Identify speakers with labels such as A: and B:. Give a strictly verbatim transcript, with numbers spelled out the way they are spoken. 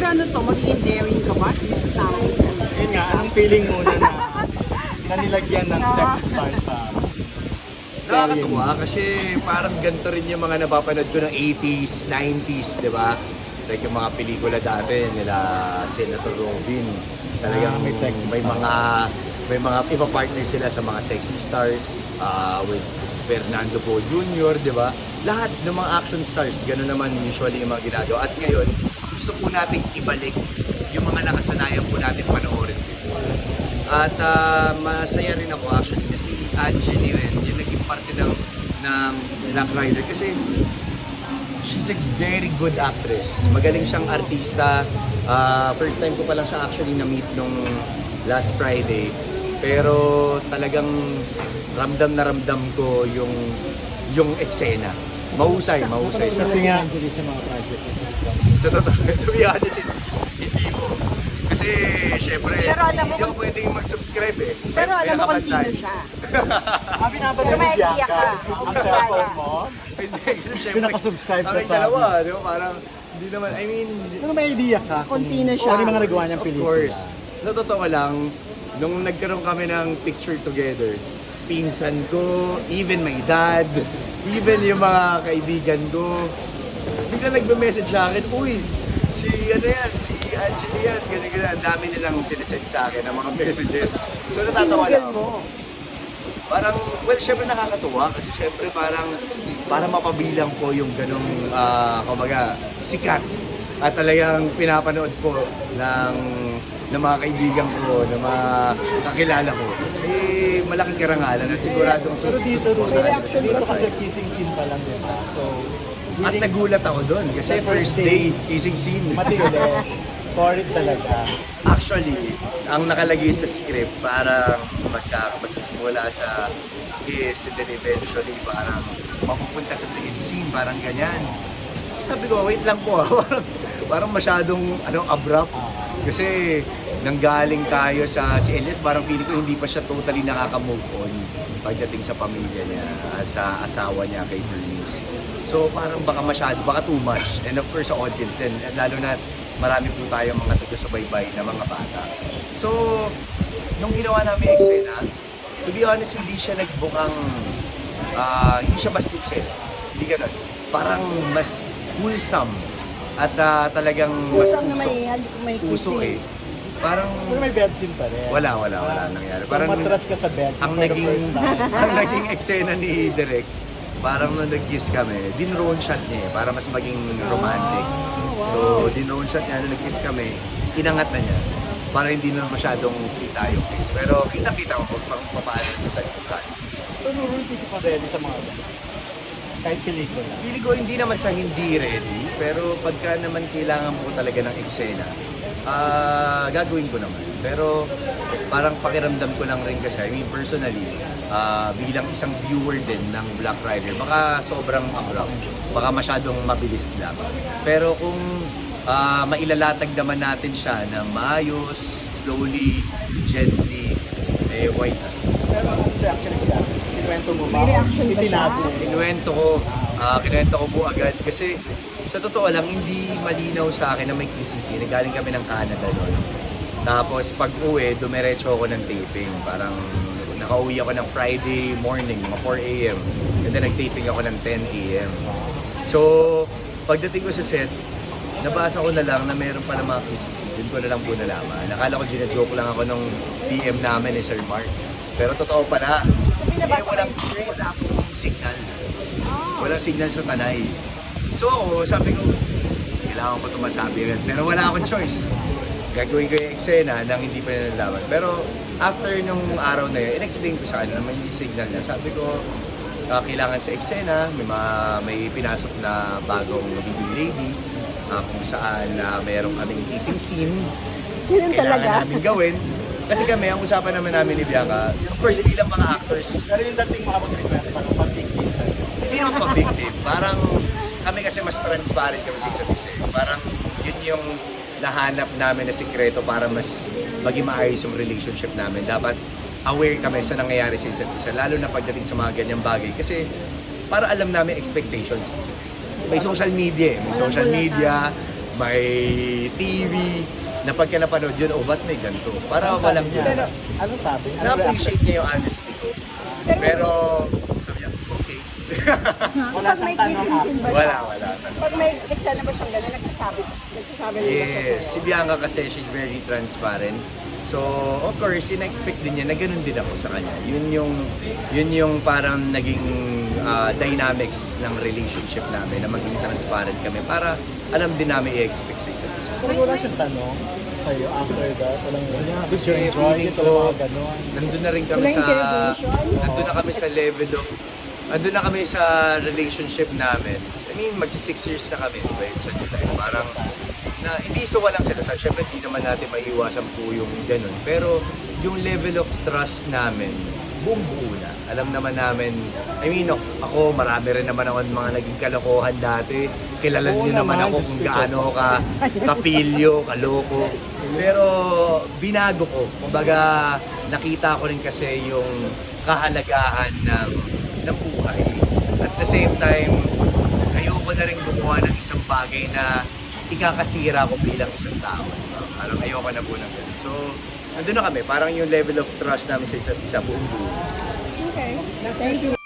A: ano to, magiging daring ka ba since kasama mo si Angel?
B: Yun nga, anong feeling muna na, na nilagyan ng sexy star sa
C: Nakakatuwa kasi parang ganito rin yung mga napapanood ko ng eighties, nineties, di ba? Like yung mga pelikula dati nila Senator Robin. Talagang
B: Ah, may sexy
C: may
B: star.
C: mga may mga iba partner sila sa mga sexy stars uh, with Fernando Poe Junior, di ba? Lahat ng mga action stars, gano'n naman usually yung mga ginagawa. At ngayon, gusto po nating ibalik yung mga nakasanayan po natin panoorin before. At uh, masaya rin ako actually na si Angeline yun, yung naging parte ng, ng Black Rider kasi she's a very good actress. Magaling siyang artista. Uh, first time ko pa lang siya actually na-meet nung last Friday. Pero talagang ramdam na ramdam ko yung yung eksena. Mahusay, mahusay.
B: Kasi nga, sa mga project.
C: Sa totoo, to be honest, hindi, hindi mo. Kasi, syempre,
A: Pero alam mo
C: hindi ako
A: kung-
C: pwedeng mag-subscribe eh.
A: Pero
C: May-
A: alam mo
C: may
A: kung sino
C: nakabantay.
A: siya.
B: Ah, binabalik
A: Pero may
B: ni
A: idea
B: Bianca
A: ka.
B: ang cellphone mo?
C: Hindi, kasi syempre,
B: Pinaka-subscribe ka
C: kami
B: sa
C: dalawa, di ba? Parang, hindi naman, I mean,
B: Ano may idea ka?
A: Kung sino siya.
B: Kung ano yung mga nagawa niyang
C: of
B: pelikula?
C: course. Sa totoo lang, nung nagkaroon kami ng picture together, pinsan ko, even my dad, even yung mga kaibigan ko, bigla nagbe-message sa akin, uy, si ano yan, si Angela yan, ganyan ganyan, ang dami nilang sinesend sa akin ng mga messages. So natatawa lang ako. Parang, well, syempre nakakatuwa kasi syempre parang para mapabilang ko yung ganong, ah, kumbaga, sikat. At talagang pinapanood ko ng, ng mga kaibigan ko, ng mga kakilala ko. Eh, malaking karangalan at siguradong
B: Pero dito,
C: supportahan ko siya.
B: dito kasi kissing scene pa lang din. ah. So,
C: At nagulat ako doon kasi first day, kissing scene.
B: Matindi. For it talaga.
C: Actually, ang nakalagay sa script parang magka, magsisimula sa kiss and then eventually parang mapupunta sa play scene, parang ganyan. Sabi ko, wait lang po ah. parang, parang masyadong ano, abrupt. Kasi nanggaling tayo sa si Elias, parang feeling ko hindi pa siya totally nakaka-move on pagdating sa pamilya niya, sa asawa niya kay Bernice. So parang baka masyado, baka too much. And of course sa audience din, and lalo na marami po tayo mga taga-subaybay na mga bata. So, nung ginawa namin yung eksena, to be honest, hindi siya nagbukang, ah, hindi siya bastuksin. Hindi ganun. Parang mas wholesome at ah, talagang mas
A: Kusang na
C: puso.
A: may, may
C: Puso
A: kissing.
C: eh. Parang
B: Pero may bed scene pa rin.
C: wala, wala, wala nangyari.
B: So,
C: Parang
B: matras ka sa bed
C: ang
B: for the
C: naging,
B: first time.
C: ang naging eksena ni Direk, parang nung nag-kiss kami, din-drone shot niya eh, para mas maging romantic. So, din-drone shot niya, nung nag-kiss kami, inangat na niya. Para hindi na masyadong kita yung kiss. Pero kita-kita ko kung pa- paano sa likod.
B: So, Nurul, hindi pa ready sa mga ganun. Kahit pelikula.
C: Feeling ko hindi naman sa hindi ready, pero pagka naman kailangan mo talaga ng eksena, ah gagawin ko naman. Pero parang pakiramdam ko lang rin kasi, I mean personally, ah bilang isang viewer din ng Black Rider, baka sobrang abrupt, baka masyadong mabilis lang. Pero kung ah mailalatag naman natin siya na maayos, slowly, gently, eh why not?
B: Pero ang reaction ni Bianca? Kinuwento mo ba?
A: May reaction ba siya?
B: Itinago.
C: Kinuwento ko, ah kinuwento ko po agad kasi sa totoo lang hindi malinaw sa akin na may kissing scene. Galing kami ng Canada noon. Tapos pag uwi, dumiretso ako ng taping. Parang nakauwi ako ng Friday morning, mga four a m And then nag-taping ako ng ten a m So, pagdating ko sa set, nabasa ko na lang na meron pa ng mga kissing scene. Doon ko na lang po nalaman. Nakala ko ginajoke lang ako nung P M namin ni Sir Mark. Pero totoo pala.
A: So,
C: Eh,
A: binabasa ko
C: walang,
A: yung script.
C: wala akong signal.
A: Ah.
C: Walang signal sa tanay. So ako, sabi ko, kailangan ko ito masabi agad. Pero wala akong choice. Gagawin ko yung eksena nang hindi pa nilalaman. Pero after nung araw na yun, in-explain ko sa kanya na may signal na. Sabi ko, ah, kailangan sa eksena, may, mga, may pinasok na bagong leading lady, ah, kung saan na mayroong kaming kissing scene.
A: Yun
C: Kailangan
A: talaga.
C: namin gawin. Kasi kami, ang usapan naman namin ni Bianca, of course, hindi lang mga actors,
B: Pero yung dating maabot ni Bianca, parang pag-victim.
C: hindi naman pa-victim. Parang kami kasi mas transparent kami sa isa't isa. Parang yun yung nahanap namin na sikreto para mas maging maayos yung relationship namin. Dapat aware kami sa nangyayari sa isa't isa, lalo na pagdating sa mga ganyang bagay. Kasi para alam namin expectations. May social media eh. May social media, may T V, na pagka napanood yun, oh, ba't may ganito? Para walang
B: Pero,
C: yun.
B: ano sabi?
C: Na-appreciate niya yung honesty ko. Pero, sabi niya, okay.
A: So
B: Wala
A: pag may
B: siyang tanong,
A: kissing scene ba
C: wala,
A: siya?
C: wala.
A: Pag may eksena ba siyang gano'n, nagsasabi, nagsasabi rin ba siya
C: Yes, si
A: sa'yo?
C: Bianca kasi she's very transparent. So, of course, ina-expect din niya na ganun din ako sa kanya. Yun yung, yun yung parang naging ah, dynamics ng relationship namin, na maging transparent kami para alam din namin i-expect sa isa't isa.
B: Pero wala siyang tanong sa'yo after that. Walang, did you
C: Kasi
B: enjoy
C: feeling
B: it?
C: ko,
B: Walang mga ganon.
C: nandun na rin kami
A: Walang
C: sa,
A: interrogation?
C: nandun na kami sa level of, nandun na kami sa relationship namin. I mean, magsi six years na kami, right, sa July. Parang, na hindi sa walang selasan. Siyempre, hindi naman natin maiiwasan po yung ganun. Pero, yung level of trust namin, buong buo na. Alam naman namin, I mean, ako, marami rin naman ako mga naging kalokohan dati. Kilala
B: Oo
C: niyo naman
B: naman,
C: ako
B: Diyos
C: kung
B: ko.
C: gaano ka kapilyo, kaloko. Pero, binago ko. Kumbaga, nakita ko rin kasi yung kahalagahan ng, ng buhay. At the same time, ayoko na rin gumawa ng isang bagay na ikakasira ko bilang isang tao. Parang ayoko na po ng ganun. So, nandun na kami. Parang yung level of trust namin sa isa't isa buong buo.
A: Okay. Thank you.